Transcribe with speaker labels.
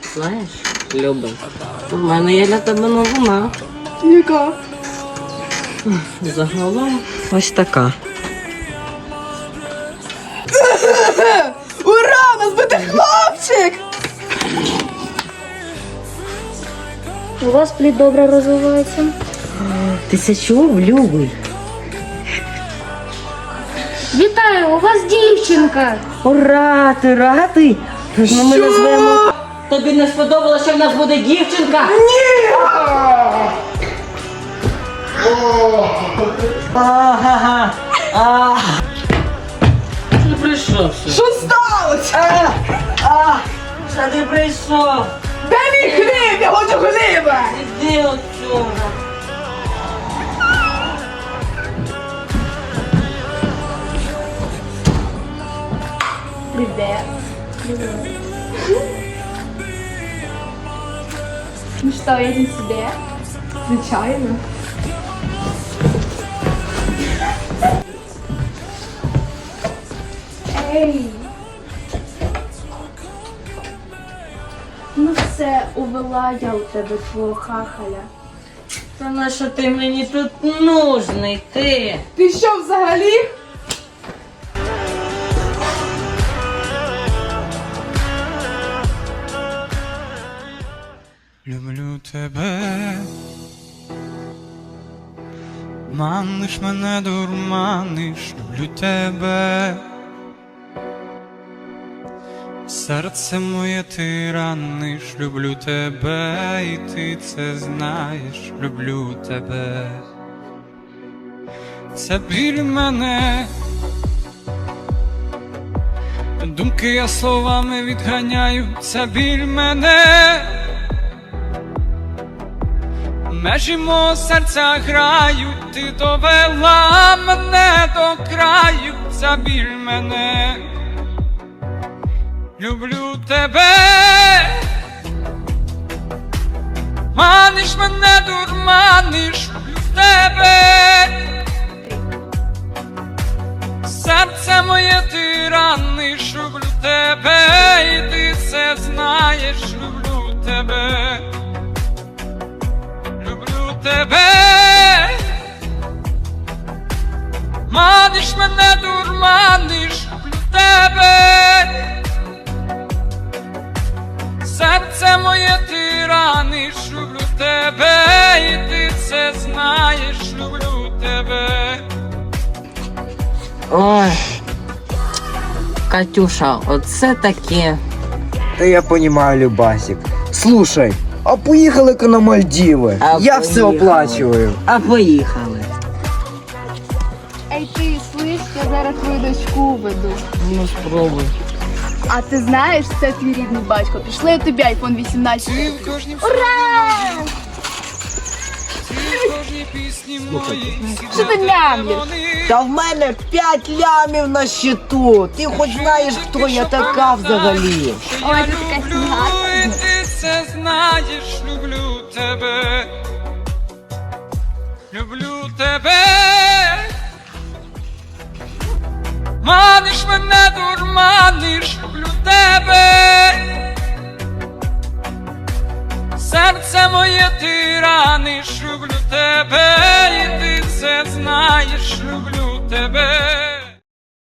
Speaker 1: Знаєш, Люба, у мене є для тебе новина.
Speaker 2: Яка?
Speaker 1: Загалом ось така.
Speaker 2: Ура! У нас буде хлопчик!
Speaker 3: У вас плід добре розвивається.
Speaker 1: Ти це чув, Любий?
Speaker 3: Вітаю, у вас дівчинка.
Speaker 1: Ура, ти радий? Тож ми назвемо... Тобі не сподобалося, що в нас буде дівчинка?
Speaker 2: Ні!
Speaker 1: Ага. Ти прийшов ще?
Speaker 2: Що сталося?
Speaker 1: Що ти прийшов?
Speaker 2: Де мій хліб? Я хочу хліба!
Speaker 1: Іди отсюда.
Speaker 2: Привет. Ну что, едем себе? Звичайно. Ей! Ну все, увела я у тебе твого хахаля.
Speaker 1: Та на що ти мені тут нужний, ти?
Speaker 2: Ти що взагалі?
Speaker 4: Люблю тебе, маниш мене, дурманиш, люблю тебе, серце моє ти раниш, люблю тебе, і ти це знаєш, люблю тебе, це біль мене, думки я словами відганяю, це біль мене. Межі мого серця грають, ти довела мене до краю, забіль мене, люблю тебе, маниш мене, дурманиш, люблю тебе, серце моє ти раниш, люблю тебе, і ти це знаєш, люблю тебе. Тебе, маниш мене, дурманиш, люблю тебе, серце моє ти раниш, люблю тебе, і ти це знаєш, люблю тебе.
Speaker 1: Ой, Катюша, оце таке.
Speaker 5: Да я понимаю, Любасик. Слушай, а поехали-ка на Мальдивы. Я все
Speaker 1: поїхали.
Speaker 5: оплачиваю.
Speaker 1: А поїхали.
Speaker 2: Ей ти, слиш, я зараз твою дочку веду.
Speaker 1: Ну спробуй.
Speaker 2: А ти знаєш, це твій рідний батько. Пішли тобі iPhone 18.
Speaker 4: Ти в кожній
Speaker 2: Ура!
Speaker 4: ти в кожній пісні моїй.
Speaker 2: Що ти мямлиш?
Speaker 5: Та в мене 5 лямів на счету. Ти хоч знаєш, хто я така взагалі.
Speaker 2: Ой, ти така сніга.
Speaker 4: І ти це знаєш, люблю тебе, люблю тебе, маниш мене, дурманиш, люблю тебе, серце моє ти раниш, люблю тебе, і ти це знаєш, люблю тебе.